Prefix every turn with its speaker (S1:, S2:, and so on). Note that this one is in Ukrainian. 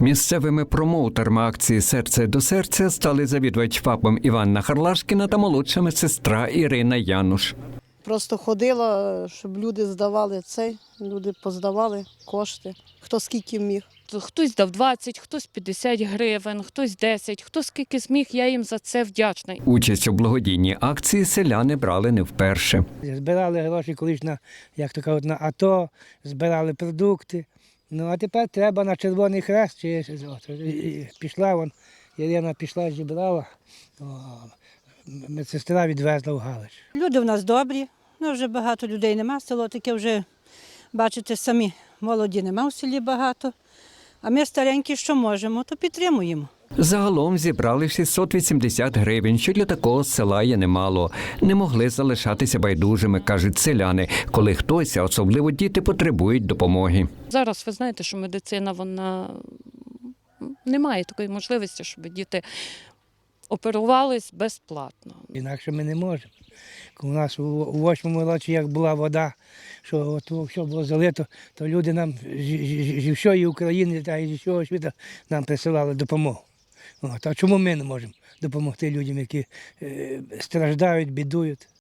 S1: Місцевими промоутерами акції «Серце до серця» стали завідувач ФАПом Іванна Харлашкіна та молодша медсестра Ірина Януш.
S2: Просто ходила, щоб люди здавали люди поздавали кошти, хто скільки міг.
S3: Хтось дав 20, хтось 50 гривень, хтось 10, хто скільки зміг, я їм за це вдячна.
S1: Участь у благодійній акції селяни брали не вперше.
S4: Збирали гроші колись на, як то кажуть, на АТО, збирали продукти. Ну, а тепер треба на Червоний Хрест. Пішла, Ірина пішла, зібрала, медсестра відвезла в Галич.
S5: Люди в нас добрі, вже багато людей нема, село таке вже, бачите, самі молоді нема в селі багато. А ми старенькі, що можемо, то підтримуємо.
S1: Загалом зібрали 680 гривень, що для такого села є немало. Не могли залишатися байдужими, кажуть селяни, коли хтось, а особливо діти, потребують допомоги.
S3: Зараз ви знаєте, що медицина, вона не має такої можливості, щоб діти оперувались безплатно.
S4: Інакше ми не можемо. У нас у 8-му році, як була вода, що все було залито, то люди нам зі всієї України та зі всього світу нам присилали допомогу. А чому ми не можемо допомогти людям, які страждають, бідують?